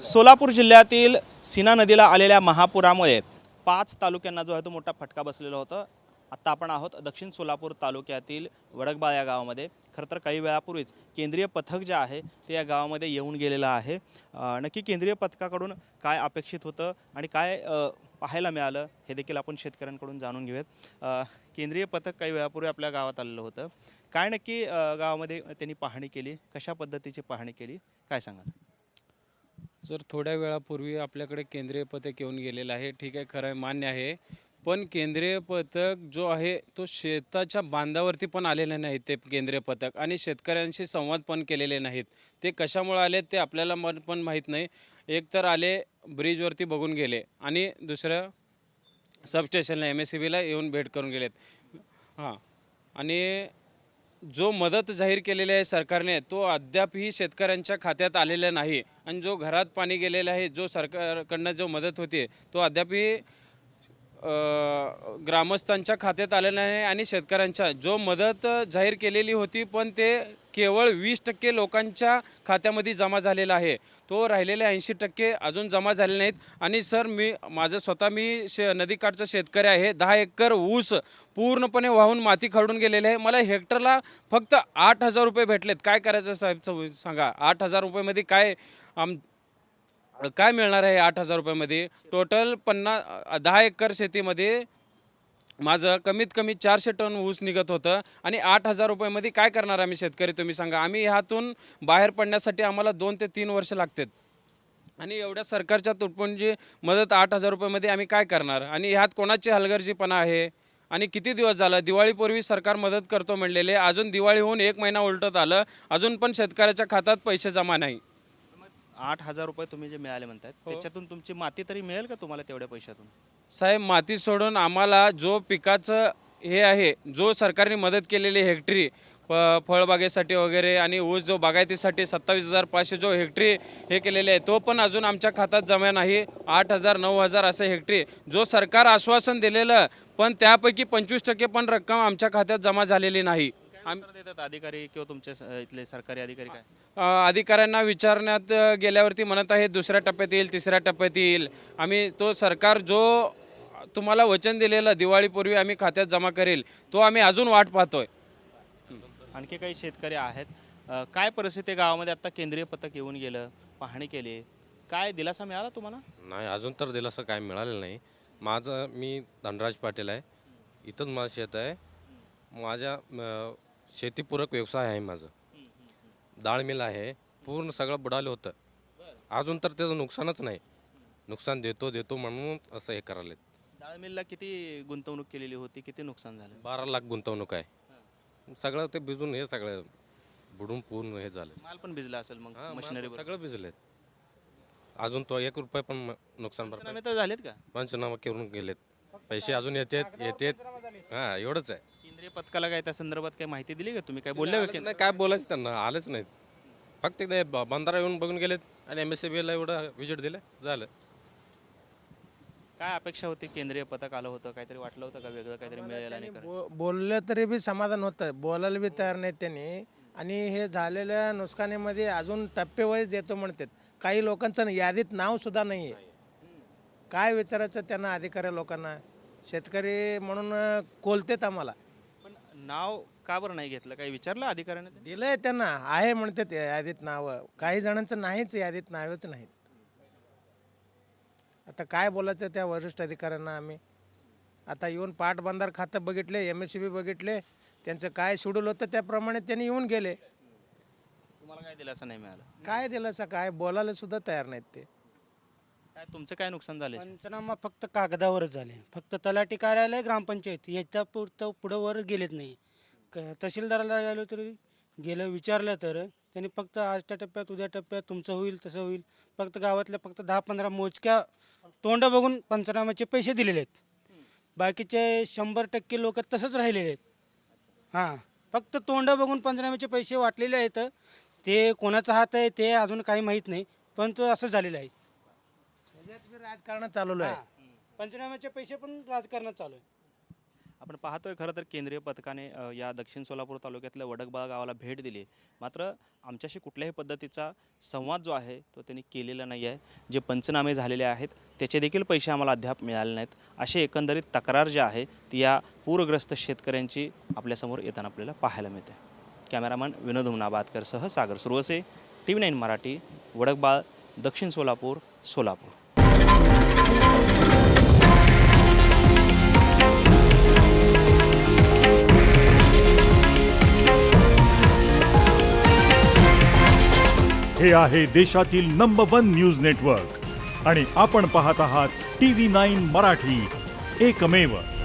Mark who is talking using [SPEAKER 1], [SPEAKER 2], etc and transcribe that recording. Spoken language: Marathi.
[SPEAKER 1] सोलापूर जिल्ह्यातील सीना नदीला आलेल्या महापुरामुळे 5 तालुक्यांना जो आहे तो मोठा फटका बसलेला होता। आत्ता आपण आहोत दक्षिण सोलापूर तालुक्यातील वडकबाळ या गावामध्ये। खरं तर काही वेळापूर्वीच केंद्रीय पथक जे आहे ते या गावामध्ये येऊन गेलेलं आहे। नक्की केंद्रीय पथकाकडून काय अपेक्षित होतं आणि काय पाहायला मिळालं हे देखील आपण शेतकऱ्यांकडून जाणून घेऊयात। केंद्रीय पथक काही वेळापूर्वी आपल्या गावात आलेलं होतं। काय नक्की गावामध्ये त्यांनी पाहणी केली, कशा पद्धतीची पाहणी केली, काय सांगाल?
[SPEAKER 2] जर थोड्या वेळापूर्वी आपल्याकडे केंद्रीय पथक येऊन गेलेलं आहे, ठीक आहे, खरं आहे, मान्य आहे. पण केंद्रीय पथक जो आहे तो शेताच्या बांधावरती पण आलेले नाहीत ते केंद्रीय पथक, आणि शेतकऱ्यांशी संवाद पण केलेले नाहीत. ते कशामुळे आले ते आपल्याला पण माहीत नाही. एक तर आले ब्रिजवरती बघून गेले आणि दुसरं सबस्टेशनला MSCBला येऊन भेट करून गेलेत. हां, आणि जो मदत जाहीर केलेली आहे सरकारने तो अद्यापही शेतकऱ्यांच्या खात्यात आलेला नाही, आणि जो घरात पाणी गेलेला आहे, जो सरकारकडनं जो मदत होते तो अद्यापही ग्रामस्थांच्या खात्यात आलेला नाही. आणि शेतकऱ्यांच्या जो मदत जाहीर केलेली होती पण ते केवळ 20% लोकांच्या खात्यामध्ये जमा झालेला आहे. तो राहिलेले 80% अजून जमा झाले नाहीत. आणि सर, मी नदीकाठचा शेतकरी आहे. 10 एकर ऊस पूर्णपणे वाहून माती खरडून गेलेले आहे. मला हेक्टरला फक्त 8,000 रुपये भेटलेत. काय करायचं साहेब सांगा? 8,000 रुपयेमध्ये काय मिळणार आहे? 8,000 रुपयामध्ये टोटल 10 एकर शेतीमध्ये माझं कमीत कमी 400 टन ऊस निघत होतं, आणि 8,000 रुपयामध्ये काय करणार आम्ही शेतकरी, तुम्ही सांगा? आम्ही ह्यातून बाहेर पडण्यासाठी आम्हाला 2 ते 3 वर्ष लागतात, आणि एवढ्या सरकारच्या तुटपुंजी मदत 8,000 रुपयामध्ये आम्ही काय करणार? आणि ह्यात कोणाची हलगर्जीपणा आहे? आणि किती दिवस झालं? दिवाळीपूर्वी सरकार मदत करतो म्हणलेले, अजून दिवाळी होऊन 1 महिना उलटत आलं, अजून पण शेतकऱ्याच्या खात्यात पैसे जमा नाही.
[SPEAKER 1] 8,000 रुपये तुम्ही जे मिळाले म्हणतात त्याच्यातून तुमची माती तरी मिळेल का तुम्हाला तेवढ्या पैशातून?
[SPEAKER 2] साहेब, माती सोडून आम्हाला जो पिकाचं हे आहे, जो सरकारने मदत केलेली हेक्टरी फळबागेसाठी वगैरे, आणि ऊस जो बागायतीसाठी 27,500 जो हेक्टरी हे केलेले आहे, तो पण अजून आमच्या खात्यात जमा नाही. 8,000 9,000 असं हेक्टरी जो सरकार आश्वासन दिलेलं, पण त्यापैकी 25% पण रक्कम आमच्या खात्यात जमा झालेली नाही.
[SPEAKER 1] उत्तर देतात अधिकारी किंवा तुमचे इथले सरकारी अधिकारी काय?
[SPEAKER 2] अधिकाऱ्यांना विचारण्यात गेल्यावरती म्हणत आहे दुसऱ्या टप्प्यात येईल, तिसऱ्या टप्प्यात येईल. आम्ही तो सरकार जो तुम्हाला वचन दिलेलं दिवाळीपूर्वी आम्ही खात्यात जमा करेल, तो आम्ही अजून वाट पाहतोय.
[SPEAKER 1] आणखी काही शेतकरी आहेत, काय परिस्थिती आहे गावामध्ये? आता केंद्रीय पथक येऊन गेलं, पाहणी केली, काय दिलासा मिळाला तुम्हाला?
[SPEAKER 3] नाही, अजून तर दिलासा काय मिळालेलं नाही. मी धनराज पाटील आहे. इथंच माझं शेत आहे. माझ्या शेतीपूरक व्यवसाय आहे माझं. डाळ मिल आहे. पूर्ण सगळं बुडालं होतं. अजून तर त्याचं नुकसानच नाही. नुकसान देतो म्हणून असं हे करायला.
[SPEAKER 1] डाळ मिलला किती गुंतवणूक केलेली होती, किती नुकसान झालं?
[SPEAKER 3] 12 लाख गुंतवणूक आहे. सगळं ते भिजून हे सगळं बुडून पूर्ण हे झालं.
[SPEAKER 1] माल पण भिजला असेल मग मशिनरी?
[SPEAKER 3] सगळं भिजलेत. अजून तो 1 रुपये पण नुकसान
[SPEAKER 1] पंचनामे तर झालेत का?
[SPEAKER 3] पंचनामा करून गेलेत. पैसे अजून येतात. हां, एवढंच आहे.
[SPEAKER 1] केंद्रीय पथकाला काय त्या संदर्भात काही माहिती दिली का तुम्ही? काय बोलले का?
[SPEAKER 3] नाही, काय बोलायचं त्यांना, आलेच नाहीत. फक्त ते बंधारा येऊन बघून गेलेत आणि MSCBला एवढं विजिट दिलं, झालं.
[SPEAKER 1] काय अपेक्षा होती? केंद्रीय पथक आलं होतं, काहीतरी वाटलं होतं का वेगळं काहीतरी मिळेल? आणि
[SPEAKER 4] बोललं तरी बी समाधान होतं, बोलायला बी तयार नाहीत त्यांनी. आणि हे झालेल्या नुकसानीमध्ये अजून टप्पेवाईज देतो म्हणतात. काही लोकांचं यादीत नाव सुद्धा नाही आहे. काय विचारायचं त्यांना, अधिकारी लोकांना? शेतकरी म्हणून कोलतेत आम्हाला.
[SPEAKER 1] पण नाव का बरं नाही घेतलं? काही विचारलं अधिकाऱ्याने?
[SPEAKER 4] दिलंय त्यांना, आहे म्हणतात यादीत नावं. काही जणांचं नाहीच, यादीत नावच नाहीत. आता काय बोलायचं त्या वरिष्ठ अधिकाऱ्यांना आम्ही? आता येऊन पाटबंधार खातं बघितले, MSCB बघितले, त्यांचं काय शेड्यूल होतं त्याप्रमाणे त्यांनी येऊन गेले.
[SPEAKER 1] तुम्हाला काय दिलासा नाही मिळाला?
[SPEAKER 4] काय दिलं काय बोलायला सुद्धा तयार नाहीत ते.
[SPEAKER 1] काय तुमचं काय नुकसान झालं?
[SPEAKER 5] पंचनामा फक्त कागदावरच झाले. फक्त तलाठी कार्यालय, ग्रामपंचायत याच्या पुढं वर गेलेत नाही. तहसीलदाराला गेलो तरी गेलं, विचारलं तर त्यांनी फक्त आजच्या टप्प्यात, उद्या टप्प्यात तुमचं होईल, तसं होईल. फक्त गावातल्या फक्त 10-15 मोजक्या तोंड बघून पंचनाम्याचे पैसे दिलेले आहेत. बाकीचे 100% लोक तसंच राहिलेले आहेत. हां, फक्त तोंड बघून पंचनाम्याचे पैसे वाटलेले आहेत. ते कोणाचा हात आहे ते अजून काही माहीत नाही, परंतु असं झालेलं आहे.
[SPEAKER 4] राजकारण चालवलं आहे.
[SPEAKER 5] पंचनाम्याचे पैसे पण राजकारणात चालू आहे.
[SPEAKER 1] आपण पाहतोय खरं तर केंद्रीय पथकाने या दक्षिण सोलापूर तालुक्यातल्या वडकबाळ गावाला भेट दिली, मात्र आमच्याशी कुठल्याही पद्धतीचा संवाद जो आहे तो त्यांनी केलेला नाही आहे. जे पंचनामे झालेले आहेत त्याचे देखील पैसे आम्हाला अद्याप मिळाले नाहीत. अशी एकंदरीत तक्रार जी आहे ती या पूरग्रस्त शेतकऱ्यांची आपल्यासमोर येताना आपल्याला पाहायला मिळते. कॅमेरामन विनोद हुमनाबादकरसह सागर सुरवसे, TV9 मराठी, वडकबाळ, दक्षिण सोलापूर, सोलापूर.
[SPEAKER 6] हे आहे देशातील नंबर 1 न्यूज नेटवर्क आणि आपण पाहत आहात TV9 मराठी, एकमेव.